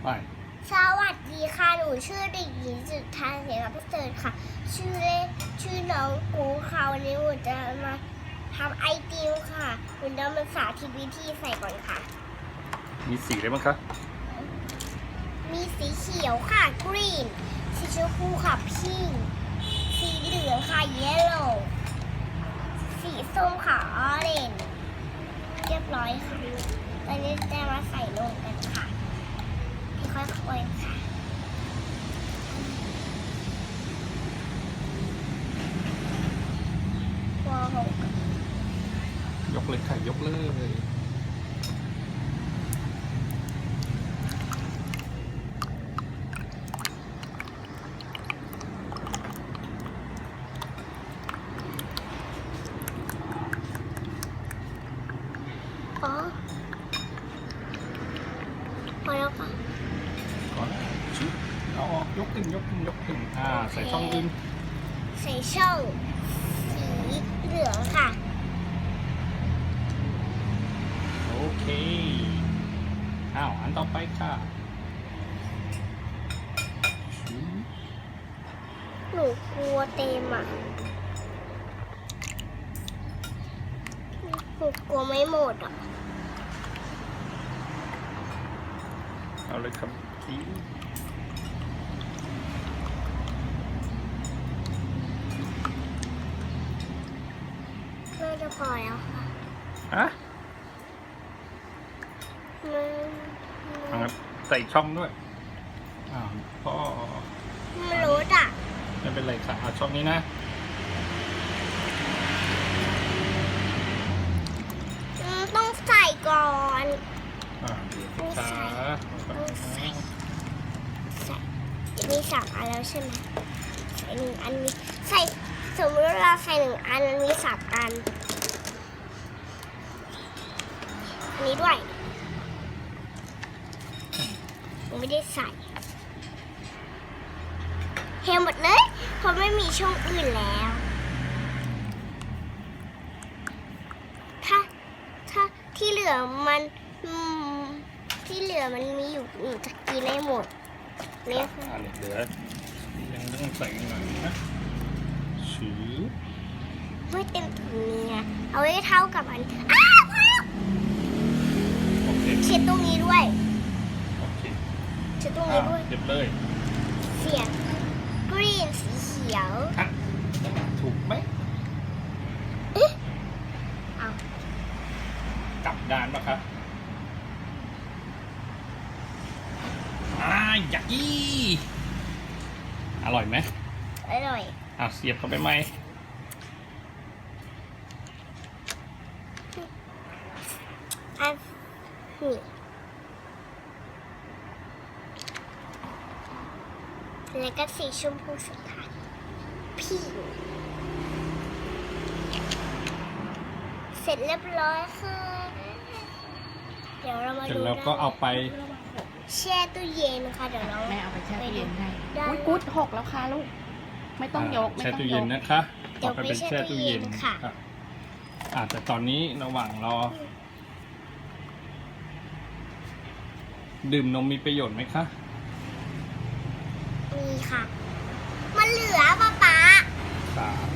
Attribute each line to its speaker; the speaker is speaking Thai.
Speaker 1: ไป
Speaker 2: สวัสดีค่ะหนูชื่อเด็กหญิงจุฑาเสนาประเสริฐค่ะชื่อเล่นชื่อน้องกูค่ะวันนี้หนูจะมาทำไอติมค่ะหนูจะมาสาธิตวิธีใส่ก่อนค่ะ
Speaker 1: มีสีอะไรบ้างคะ
Speaker 2: มีสีเขียวค่ะ green สีชมพูค่ะ pink สีเหลืองค่ะ yellow สีส้มค่ะ orange เรียบร้อยค่ะตอนนี้จะมาใส่ลงกันค่ะค่อยๆค่ะว้าวย
Speaker 1: กเลยค่ะยกเลย
Speaker 2: อ๋อพอแล้วค่ะ
Speaker 1: ก่อนชุบเอาออกยกขึ้นใส่ช่องอื่น
Speaker 2: ใส่ช่องสีเหลืองค่ะ
Speaker 1: โอเคอันต่อไปค่ะ
Speaker 2: หนูกลัวเต็มอ่ะหนูกลัวไม่หมดอ่ะ
Speaker 1: เอาเลยครับที
Speaker 2: น่าจะพอแล้วค่ะ
Speaker 1: งั้นใส่ช่องด้วยพ่อ
Speaker 2: มันรู้อ่ะ
Speaker 1: ไม่เป็นไรค่ะเอาช่องนี้นะ
Speaker 2: ต้องใส่ก่อน
Speaker 1: ช้า
Speaker 2: มี3 อันแล้วใช่ไหมใส่1 อันนี้ใส่สมมติว่าเราใส่1 อันมันมี3 อันอันนี้ด้วยยังไม่ได้ใส่เทหมดเลยเพราะไม่มีช่องอื่นแล้วถ้าที่เหลือมันมีอยู่หนูจะกินได้หมดเนี่ย
Speaker 1: เหลือยังต้องใส่หน่อยนะชื้อ
Speaker 2: ไม่เต็มถุงนี้นะเอาไว้เท่ากับอันพอแล้วเช็ดตรงนี้ด้วยเช็ดตรงนี้ด้วย
Speaker 1: เรียบเลย
Speaker 2: เสียงกรีนสีเขียว
Speaker 1: ถูกไหม
Speaker 2: เอา
Speaker 1: กลับด้านปะครับอยากกี้อร่อยไหม
Speaker 2: อร่อย
Speaker 1: เสียบเข้าไปไหม
Speaker 2: นี่แล้วก็สีชมพูสุดท้ายพี่เสร็จเรียบร้อยค่ะเดี๋ยวเรามาดู
Speaker 1: แล้วก็เอาไป
Speaker 2: แช่ตู้เย็นค่ะเดี๋ยวเรา
Speaker 3: แม่เอาไปแช่ตู้เย็นให้กุ๊ด6แล้วค่ะลูกไม่ต้องยก
Speaker 1: แช่ตู้เย็นนะคะ
Speaker 2: ต่อไปเป็นแช่ตู้เย็นค่ะ
Speaker 1: แต่ตอนนี้ระหว่างรอดื่มนมมีประโยชน์ไหมคะ
Speaker 2: มีค่ะมันเหลือป๊า